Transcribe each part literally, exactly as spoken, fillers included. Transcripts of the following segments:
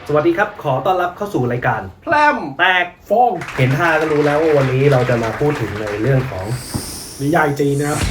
สวัสดีครับขอต้อนรับเข้าสู่รายการแพลมแตกฟ้องเห็นท่าก็รู้แล้วว่าวันนี้เราจะมาพูดถึงในเรื่องของนิยายจีนนะครับ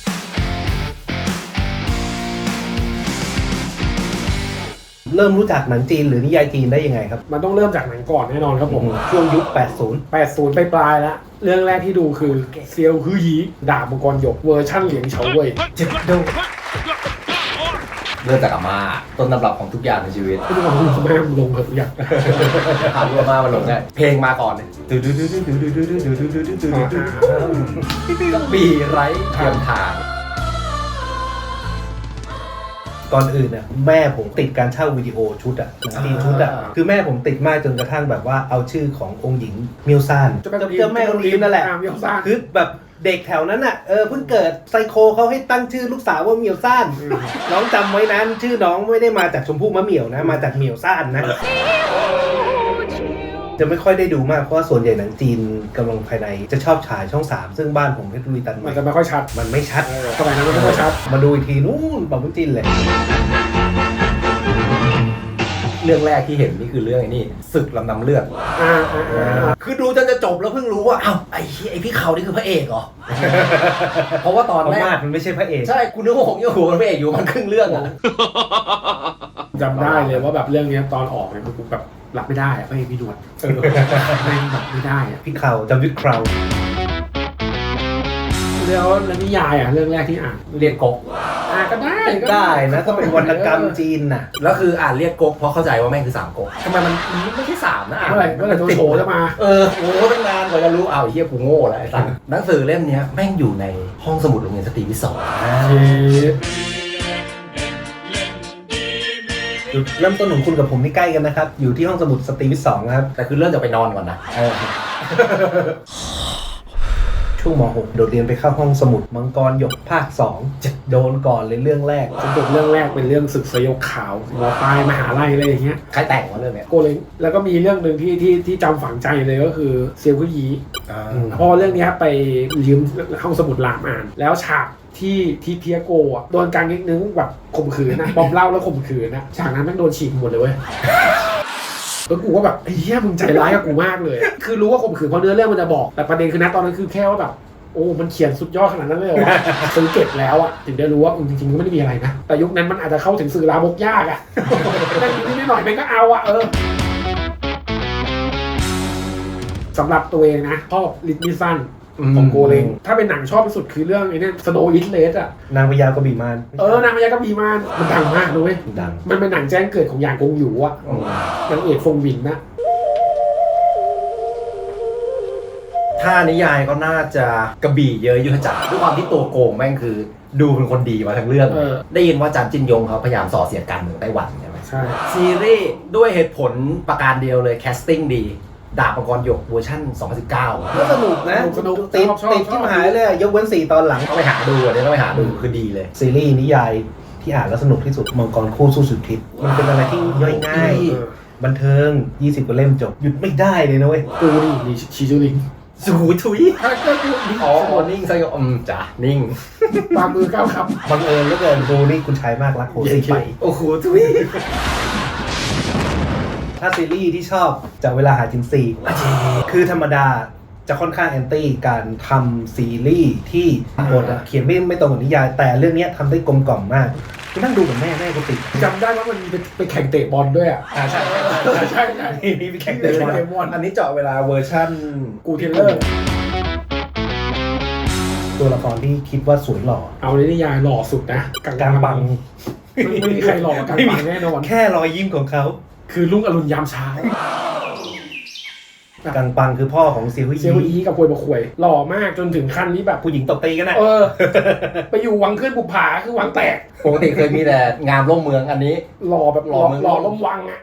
เริ่มรู้จักหนังจีนหรือนิยายจีนได้ยังไงครับมันต้องเริ่มจากหนังก่อนแน่นอนครับผมช่วงยุคแปดสิบแปดสิบไปปลายแล้วเรื่องแรกที่ดูคือเซียวฮือหยีดาบมังกรหยกเวอร์ชั่นเหลียงเฉาเว่ยเจ็ดโดเริ่มจากอาม่าต้นตำรับของทุกอย่างในชีวิตทุกคนคุณแม่ลงเถอะทุกอย่างถามอาม่ามาลงได้เพลงมาก่อนดูดูดูดูดูดูดูดูดูดูดูดูก็บีไร้เทียมทางก่อนอื่นเนี่ยแม่ผมติดการเช่าวิดีโอชุดอะหนังจีนชุดอะคือแม่ผมติดมากจนกระทั่งแบบว่าเอาชื่อขององค์หญิงเมียวซ่านเจ้าแม่องค์หญิงนั่นแหละคือแบบเด็กแถวนั้นอ่ะเออเพิ่งเกิดไซโคเขาให้ตั้งชื่อลูกสาวว่าเหมียวซ่านน้องจำไว้นั้นชื่อน้องไม่ได้มาจากชมพู่มะเหมี่ยวนะมาจากเหมียวซ่านนะจะไม่ค่อยได้ดูมากเพราะว่าส่วนใหญ่หนังจีนกำลังภายในจะชอบฉายช่องสามซึ่งบ้านผมเพชรบุรีตันมันจะไม่ค่อยชัดมันไม่ชัดสมัยนั้นมันไม่ค่อยชัดมาดูอีกทีนู่นปะมุ้นจีนเลยเรื่องแรกที่เห็นนี่คือเรื่องไอ้นี่ศึกลำนำเลือดคือดูจนจะจบแล้วเพิ่งรู้ว่าอ้าวไอ้ไอ้พี่เขานี่คือพระเอกเหรอเพราะว่าตอนแรกมันไม่ใช่พระเอกใช่คุณนึกว่าผมยังหัวพระเอกอยู่มันครึ่งเรื่องอ่ะจำได้เลยว่าแบบเรื่องนี้ตอนออกเนี่ยกูแบบรับไม่ได้อะพระเอกพี่หนวดเออไม่แบบไม่ได้อะพี่เขาจำวิคราวแล้วแล้วนิยายอ่ะเรื่องแรกที่อ่านเรียกก๊กอ่าก็ได้ได้นะก็เป็นวรรณกรรมจีนน่ะแล้วคืออ่านเรียกก๊กเพราะเข้าใจว่าแม่งคือสามก๊กทำไมมันไม่ใช่สามนะเมื่อไหร่เมื่อไหร่ตัวโฉจะมาเออโอ้ตั้งนานกว่าจะรู้เอาไอ้เหี้ยกูโง่แหละไอ้สัสหนังสือเล่มนี้แม่งอยู่ในห้องสมุดโรงเรียนสตรีวิทย์สองเริ่มต้นของคุณกับผมนี่ใกล้กันนะครับอยู่ที่ห้องสมุดสตรีวิทย์สองครับแต่คือเริ่มจากไปนอนก่อนนะช่วงม หก โดดเรียนไปเข้าห้องสมุดมังกรหยกภาคสองจะโดนก่อนเลยเรื่องแรกสมุดเรื่องแรกเป็นเรื่องศึกสยบขาวหมอปลายมหาลัยอะไรอย่างเงี้ยใครแต่งวะเรื่องเนี้ยโกเลงแล้วก็มีเรื่องหนึ่งที่ที่ที่จำฝังใจเลยก็คือเซียวคุยีพอเรื่องนี้ไปยืมห้องสมุดรามอ่านแล้วฉากที่ที่เทียโกอ่ะโดนการนิดนึงแบบข่มขืนนะบอมเล่าแล้วข่มขืนนะฉากนั้นมันโดนฉีกหมดเลยเว้ยแล้วกูก็แบบไอ้เหี้ยมึงใจร้ายกับกูมากเลยคือรู้ว่าข่มขืนเพราะเนื้อเรื่องมันจะบอกแต่ประเด็นคือนะตอนนั้นคือแค่ว่าแบบโอ้มันเขียนสุดยอดขนาดนั้นเลยเหรอวะซื้อเก็บแล้วอ่ะถึงได้รู้ว่าจริงๆมันไม่ได้มีอะไรนะแต่ยุคนั้นมันอาจจะเข้าถึงสื่อลามกยากอ่ะแต่นิดหน่อยมันก็เอาอ่ะเออสำหรับตัวเองนะชอบลิทมิสันของโกเลงถ้าเป็นหนังชอบที่สุดคือเรื่องไอ้นี่สโนว์อิทเลสอ่ะนางพญากระบี่มารเออนางพญากระบี่มารมันดังมากเลยดังมันเป็นหนังแจ้งเกิดของหยางกงหยูอ่ะนางเอกฟงวินนะถ้านิยายก็น่าจะกระบี่เยอะยุทธจักรด้วยความที่ตัวโกงแม่งคือดูเป็นคนดีมาทั้งเรื่องได้ยินว่าจำจินยงเขาพยายามส่อเสียดการเมืองไต้หวันใช่ไหมใช่ซีรีส์ด้วยเหตุผลประการเดียวเลยแคสติ้งดีดาบมังกรหยกเวอร์ชั่นสองพันสิบเก้าก็สนุกนะสนุกติดติดที่มหาเลยยกเว้นสี่ตอนหลังต้องไปหาดูอ่ะต้องไปหาดูคือดีเลยซีรีส์นิยายที่อ่านแล้วสนุกที่สุดมังกรคู่สู้สุดทิศมันเป็นอะไรที่ย่อยง่ายบันเทิงยี่สิบกว่าเล่มจบหยุดไม่ได้เลยนะเว้ยกูนี่มีชิจูริงสูทุยก็ดูนิ่งอ๋อนิ่งซะก็อืมจ้ะนิ่งวางมือก้าวครับบังเอิญแล้วเกินดูนี่คุณชายมากรักโหดไปโอ้โหทุยถ้าซีรีส์ที่ชอบจากเวลาหาจินซีคือธรรมดาจะค่อนข้างแอนตี้การทำซีรีส์ที่บทเขียนไม่ไม่ตรงกับนิยายแต่เรื่องนี้ทำได้กลมกล่อมมากกูนั่งดูกับแม่แม่ก็ติดจำได้ว่ามันไปไปแข่งเตะบอลด้วยอ่ะอ่าใช่ใช่ใช่มีไปแข่งเตะบอลอันนี้เจาะเวลาเวอร์ชั่นกูเทเลอร์ตัวละครที่คิดว่าสวยหล่อเอาในนิยายหล่อสุดนะกลางบังไม่มีใครหล่อกลางบังแน่นอนแค่รอยยิ้มของเขาคือลุงอรุณยามเช้ากังปังคือพ่อของเซียวฮีเซียวฮีกับควยบะควยหล่อมากจนถึงขั้นนี้แบบผู้หญิงตบตีกันนะเออไปอยู่วังขึ้นบุปผาคือวังแตกปกติเคยมีแต่งามร่มเมืองอันนี้หล่อแบบหล่อหล่อล้มวังอ่ะ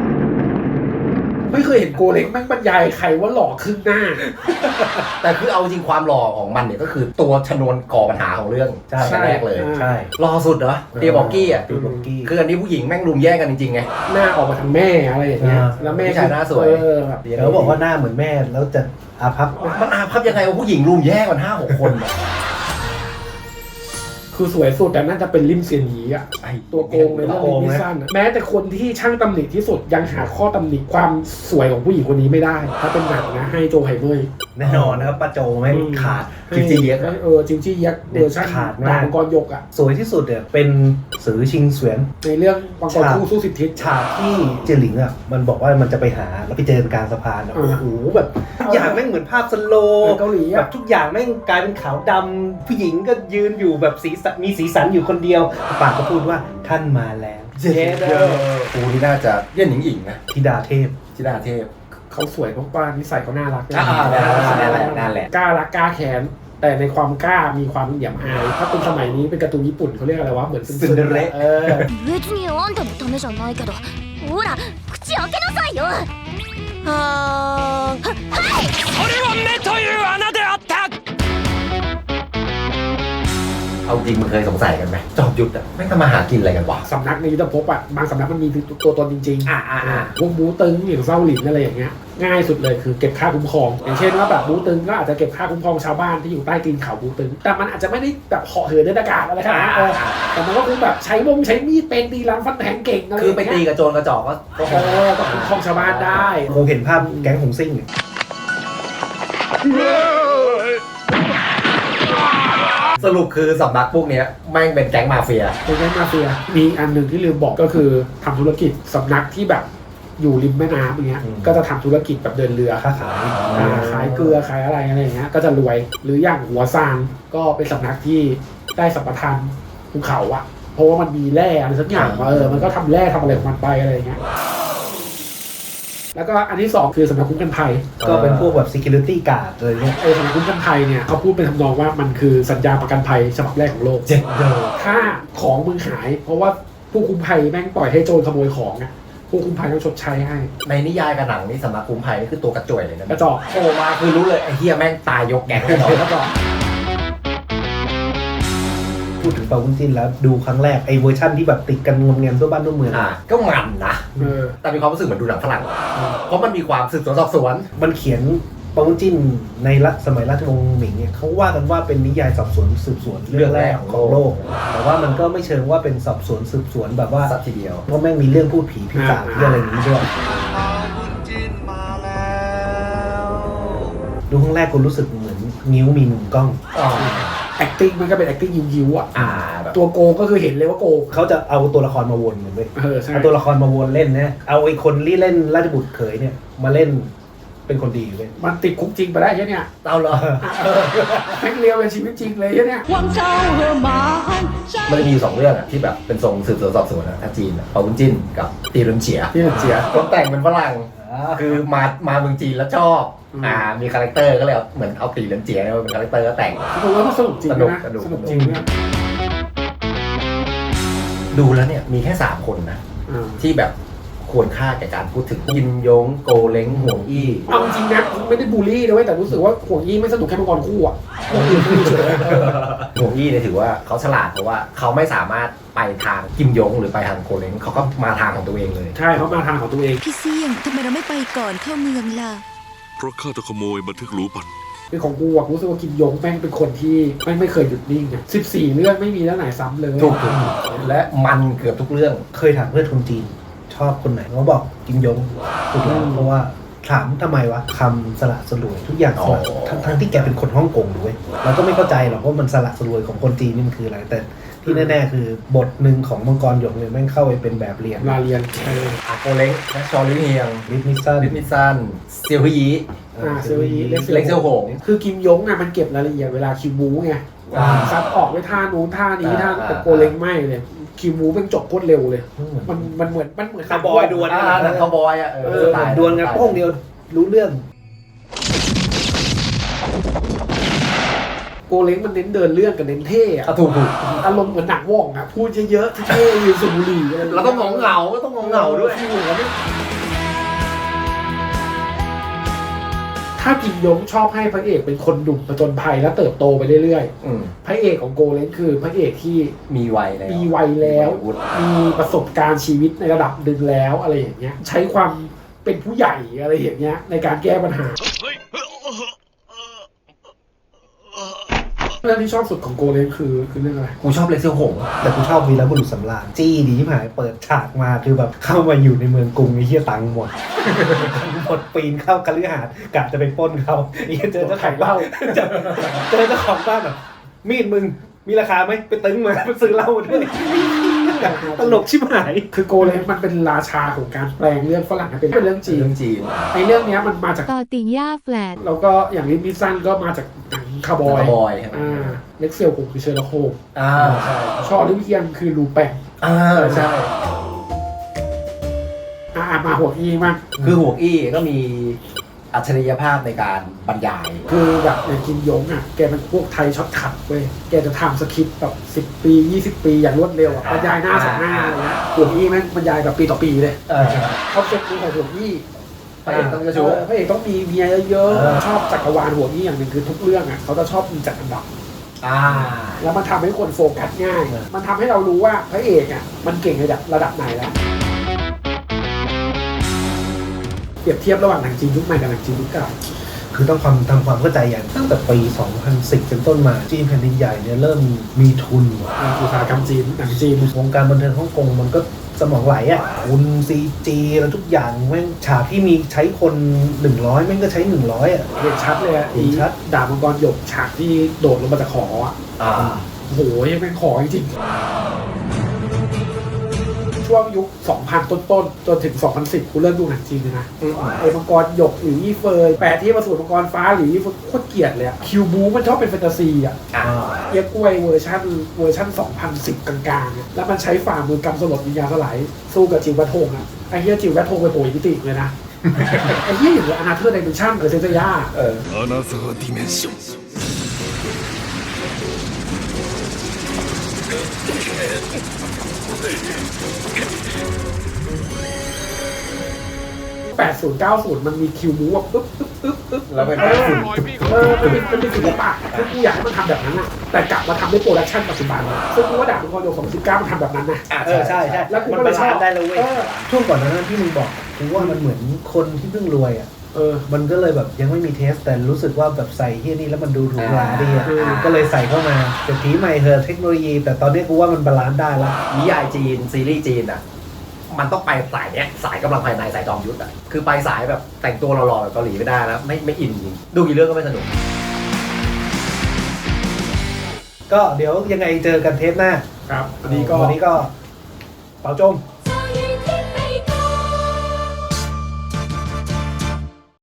ไม่เคยเห็นโกเล็กแม่งบรรยายใครว่าหล่อขึ้นหน้าแต่คือเอาจริงความหล่อของมันเนี่ยก็คือตัวชนวนก่อปัญหาของเรื่องใช่แรกเลยใช่หล่อสุดเหรอเตียบอกกี้อ่ะคืออันนี้ผู้หญิงแม่งรุมแย่งกันจริงๆไงหน้าออกมาทางแม่อะไรอย่างเงี้ยแล้วแม่ชายหน้าสวยเขาบอกว่าหน้าเหมือนแม่แล้วจะอาภัพมันอาภัพยังไงว่าผู้หญิงรุมแย่งกันห้าหกคนคือสวยสุดแต่น่าจะเป็นลิมเซียนหยีอะตัวโกงในเรื่องลิมมิซันแม้แต่คนที่ช่างตำหนิที่สุดยังหาข้อตำหนิความสวยของผู้หญิงคนนี้ไม่ได้ถ้าเป็นหนังนะให้โจไฮเมย์แน่นอนนะครับป้าโจไม่ขาดจิวจี้เย็กเออจิวจี้เย็กเวอร์ชันขาดดาบมังกรยกอะสวยที่สุดเนี่ยเป็นสือชิงเสวียนในเรื่องมังกรคู่สู้สิบทิศฉากที่เจหลิงอ่ะมันบอกว่ามันจะไปหาแล้วไปเจอกลางสะพานโอ้โหแบบทุกอย่างแม่งเหมือนภาพสโลว์เกาหลีแบบทุกอย่างแม่งกลายเป็นขาวดำผู้หญิงก็ยืนอยู่แบบสีสันมีสีสันอยู่คนเดียวปากก็พูดว่าท่านมาแล้วเจ๊เด้อปูนี่น่าจะเยี่ยนหญิงหญิงนะธิดาเทพธิดาเทพเขาสวยเพราะว่านิสัยเขาน่ารักอ่านั่นแหละนั่นแหละกล้ารักกล้าแค้นแต่ในความกล้ามีความเหยียบอายถ้าเป็นสมัยนี้เป็นการ์ตูนญี่ปุ่นเขาเรียกอะไรวะเหมือนซินเดอเรลเออ別にあんたのためじゃないけどほら口開けなさいよははいそれは目という穴であったเอาจริงมึงเคยสงสัยกันไหมจอมยุทธอะไม่ทำมาหากินอะไรกันวะสำนักในยุทธภพอะบางสำนักมันมีตัวตนจริงๆอ่าอ่าพวกบูตึงอย่างเศร้าหลินอะไรอย่างเงี้ยง่ายสุดเลยคือเก็บค่าคุ้มครองอย่างเช่นว่าแบบบูตึงก็อาจจะเก็บค่าคุ้มครองชาวบ้านที่อยู่ใต้ตีนเขาบูตึงแต่มันอาจจะไม่ได้แบบเหาะเหินในอากาศอะไรขนาดนั้นแต่มันก็คือแบบใช้วงใช้มีดเป็นตีรันฟันแทงเก่งอะไรคือไปตีกับโจรกระจอกก็เออก็คุ้มครองชาวบ้านได้คงเห็นภาพแก๊งหงซิ่งสรุปคือสำนักพวกนี้แม่งเป็นแก๊งมาเฟียเป็นแก๊งมาเฟียมีอันหนึ่งที่ลืมบอกก็คือทำธุรกิจสำนักที่แบบอยู่ริมแม่น้ำอย่างเงี้ยก็จะทำธุรกิจแบบเดินเรือค้าขายขายเกลือขายอะไรอะไรอย่างเงี้ยก็จะรวยหรืออย่างหัวซางก็เป็นสำนักที่ได้สัมปทานภูเขาอะเพราะว่ามันมีแร่อะไรสักอย่างเออมันก็ทำแร่ทำอะไรของมันไปอะไรอย่างเงี้ยแล้วก็อันที่สองคือสำนักคุ้มกันภัยก็เป็นพวกแบบ security guard อะไรเงี้ยไอ้สำนักคุ้มกันภัยเนี่ยเขาพูดเป็นทำนองว่ามันคือสัญญาประกันภัยฉบับแรกของโลกเจ็ดเดอถ้าของมึงหายเพราะว่าผู้คุ้มภัยแม่งปล่อยให้โจรขโมยของอะผู้คุ้มภัยต้องชดใช้ให้ในนิยายกับหนังนี่สำนักคุ้มภัยนี่คือตัวกระจ่วยเลยนะกระจอกโผล่มาคือรู้เลยไอ้เฮียแม่งตายยกแก๊งแน่นอนกระจอกพูดถึงปาวุ้นจินแล้วดูครั้งแรกไอ้เวอร์ชั่นที่แบบติดกันงมเงียมทั่วบ้านทั่วเมืองอ่ะก็มันนะแต่มีความรู้สึกเหมือนดูหนังฝรั่งเพราะมันมีความสืบสวนสอบสวนมันเขียนปาวุ้นจินในรัชสมัยราชวงศ์หมิงเนี่ยเขาว่ากันว่าเป็นนิยายสอบสวนสืบสวนเรื่องแรกของโลกแต่ว่ามันก็ไม่เชิงว่าเป็นสอบสวนสืบสวนแบบว่าสักทีเดียวเพราะแม่งมีเรื่องพูดผีพิศาจอะไรอย่างนี้ด้วยดูครั้งแรกกูรู้สึกเหมือนนิ้วมีมุมกล้อง acting มันก็เป็น acting ยิ้วๆอ่ะตัวโกก็คือเห็นเลยว่าโกเขาจะเอาตัวละครมาวนเหมือนเว้ยเอาตัวละครมาวนเล่นนะเอาไอ้คนที่เล่นราชบุตรเขยเนี่ยมาเล่นเป็นคนดีเลยมันติดคุกจริงไปได้ใช่เนี่ยเอาเหรอแม่งเรียวเป็นชีวิตจริงเลยใช่เนี่ยมันจะมีสองเรื่องอ่ะที่แบบเป็นทรงสืบสวนสอบสวนนะถ้าจีนปาวุ้นจิ้นกับตีเรินเฉียตีเรินเฉียคนแต่งเป็นฝรั่งคือมามาเมืองจีนแล้วชอบอ่ามีคาแรคเตอร์ก็เลยเหมือนเอาตีเรินเฉียเป็นคาแรคเตอร์ก็แต่งดูแล้วมันสนุกจริงนะสนุกจริงเนี่ยดูแล้วเนี่ยมีแค่สามคนนะที่แบบควรค่าแก่การพูดถึงยินยงโกเล้งห่วงอี้เอาจริงนะไม่ได้บูลลี่นะเว้ยแต่รู้สึกว่าห่วงอี้ไม่สนุกแค่มังกรคู่อ่ะห่วงอี้ไม่เฉยห่วงอี้เนี่ยถือว่าเขาฉลาดเพราะว่าเขาไม่สามารถไปทางกิมยงหรือไปทางโกเล้งเขาก็มาทางของตัวเองเลยใช่เขามาทางของตัวเองพี่เสี่ยงทำไมเราไม่ไปก่อนเข้าเมืองล่ะเพราะข้าจะขโมยบันทึกรู้ปัดเป็นของกูอะรู้สึกว่ากิมยงแม่งเป็นคนที่แม่งไม่เคยหยุดนิ่งอ่ะสิบสี่เรื่องไม่มีเรื่องไหนซ้ำเลยถูกและมันเกือบทุกเรื่องเคยถามเพื่อนคนจีนชอบคนไหนเขาบอกกิมยงถูกแล้วเพราะว่าถามทำไมวะคำสละสลวยทุกอย่างสละทั้งทั้งที่แกเป็นคนฮ่องกงด้วยเราก็ไม่เข้าใจหรอกว่ามันสละสลวยของคนจีนนี่มันคืออะไรแต่ที่แน่ๆคือบทหนึ่งของมังกรหยกเนี่ยแม่งเข้าไปเป็นแบบเรียนลาเรียนอาโกเล้งและชอลิเฮียงลิทมิซันลิทมิซันเซียวฮีอ่าเซียวฮีเล็กเซียวหงคือกิมยงอ่ะมันเก็บรายละเอียดเวลาคิวบูไงซัดออกไว้ท่านู้นท่านี้ท่าแต่โกเล้งไม่เลยคิวบูเป็นจบโคตรเร็วเลยมันมันเหมือนมันเหมือนคาร์บอยดวลอ่าคาร์บอยอ่ะเออดวลกันโป้งเดียวรู้เรื่องโกเล้งมันเน้นเดินเรื่องกับเน้นเท่อะถูกถูกอารมณ์เหมือนหนังว่องอะพูดเยอะๆเท่ๆยืนสูบบุหรี่แล้วต้องงงเหงาก็ต้องงงเหงาด้วยถ้ากิมยงชอบให้พระเอกเป็นคนดุผจญภัยแล้วเติบโตไปเรื่อยๆพระเอกของโกเล้งคือพระเอกที่มีวัยแล้วมีวัยแล้วมีประสบการณ์ชีวิตในระดับหนึ่งแล้วอะไรอย่างเงี้ยใช้ความเป็นผู้ใหญ่อะไรอย่างเงี้ยในการแก้ปัญหาเรื่องที่ชอบสุดของโกเลมคือคือเรื่องอะไรกูชอบเลเซียวหงแต่กูชอบวีรบุรุษสำราญจี้ดีที่หายเปิดฉากมาคือแบบเข้ามาอยู่ในเมืองกรุงไอ้เหี้ยตังค์หมด หมดปีนเข้าคฤหาสน์กะจะไปปล้นเขาไอ้เหี้ยเจอเจ้าของบ้านเจอเจอเจ้าของบ้านแบบมีดมึงมีราคาไหมไปตึงมาไปซื้อเหล้าด้วยตลกชิบหายคือโกเลมมันเป็นราชาของการแปลงเรื่องฝรั่งให้เป็นเรื่องจีนเรื่องจีนไอ้เรื่องเนี้ยมันมาจากต่อติ่งย่าแฟลตแล้วก็อย่างลิมิสันก็มาจากหนังคาร์บอยคาร์บอยใช่ไหมอ่าเล็กเซลผมคือเชอร์ล็อกโฮมส์อ่าใช่ชอลิเวียนคือลูแปงอ่าใช่อ่ามาหัวอีมากคือหวงอี้ก็มีอัจฉริยภาพในการบรรยายคือแบบอย่างกินยงอ่ะแกเป็นพวกไทยช็อตคัทเว้ยแกจะทำสคริปต์แบบสิบปียี่สิบปีอย่างรวดเร็วอ่ะบรรยายหน้าสองหน้าอะไรเงี้ยหัวอีแม่งบรรยายแบบปีต่อปีเลยเออคอนเซ็ปต์นี้ของหัวอีพระเอกต้องกระชู้พระเอกต้องมีเมียเยอะๆชอบจักรวาลหัวอีอย่างหนึ่งคือทุกเรื่องอ่ะเขาจะชอบมีจัดอันดับอ่าแล้วมันทำให้คนโฟกัสง่าย มันทำให้เรารู้ว่าพระเอกอ่ะมันเก่งระดับระดับไหนแล้ว เปรียบเทียบระหว่างหนังจีนยุคใหม่กับหนังจีนยุคเก่าคือต้องความทำความเข้าใจอย่างตั้งแต่ปี สองพันสิบ เป็นต้นมาจีนแผ่นดินใหญ่เนี่ยเริ่มมีทุนอุตสาหกรรมจีนหนังจีนวงการบันเทิงฮ่องกงมันก็สมองไหลอ่ะทุนซีจีแล้วทุกอย่างแม่งฉากที่มีใช้คนหนึ่งร้อยแม่งก็ใช้หนึ่งร้อยอ่ะเห็นชัดเลยอะเห็นชัดดาบมังกรหยกฉากที่โดดลงมาจากหออ่ะอ่าโอ้โหยังเป็นขอจริงๆช่วงยุค สองพัน ต้นๆ จนถึง สองพันสิบ กูเริ่มดูหนังจีนเลยนะอืมไอ้มังกรหยกหรือยี่เฟยแปดที่มาสู่มังกรฟ้าหรือยี่เฟยโคตรเกลียดเลยอะคิวบูมันชอบเป็นแฟนตาซีอะอ่าเอียกล้วยเวอร์ชันเวอร์ชันสองพันสิบ กลางๆอะแล้วมันใช้ฝ่ามือกำสลดวิญญาณสลายสู้กับจิววัฒทงอะไอ้เหี้ยจิววัฒทงไปโผล่มิติเลยนะ ไอ้เหี้ยอย่างอนาเธอร์ไดเมนชั่นเออเซนเซย่าเออアナザーディメンションแปดสิบ เก้าสิบ มันมีคิวบูแบบปึ๊บปึ๊บปึ๊บปึ๊บแล้วเป็นเออเออมันเป็นมันเป็นศิลปะซึ่งกูอยากให้มันทำแบบนั้นอะแต่กลับมาทำด้วยโปรดักชั่นปัจจุบันซึ่งกูว่าดาบมังกรโยกสองพันสิบเก้ามันทำแบบนั้นนะอ่าเออใช่ใช่แล้วกูมันก็เลยบาชอลาบนซ์ได้แล้วเว้ยเออช่วงก่อนหนานั้นที่มึงบอกกูว่ามันเหมือนคนที่เพิ่งรวยอ่ะเออมันก็เลยแบบยังไม่มีเทสแต่รู้สึกว่าแบบใส่เฮียนี่แล้วมันดูหรูหราดีอ่ะอ่าก็เลยใส่เข้ามาแต่ทีใหม่เธอะเทคโนโลยี แต่ตอนนี้กูว่ามันบาลานซ์ได้แล้วนิยายจีน ซีรีส์จีนอ่ะ มันต้องไปสายเนี้ยสายกำลังภายในสายจอมยุทธอ่ะ คือไปสายแบบแต่งตัวหล่อๆแบบเกาหลีไม่ได้แล้วไม่ไม่อินจริงดูกี่เรื่องก็ไม่สนุกก็เดี๋ยวยังไงเจอกันเทปหน้าครับวันนี้ก็วันนี้ก็เป่าจม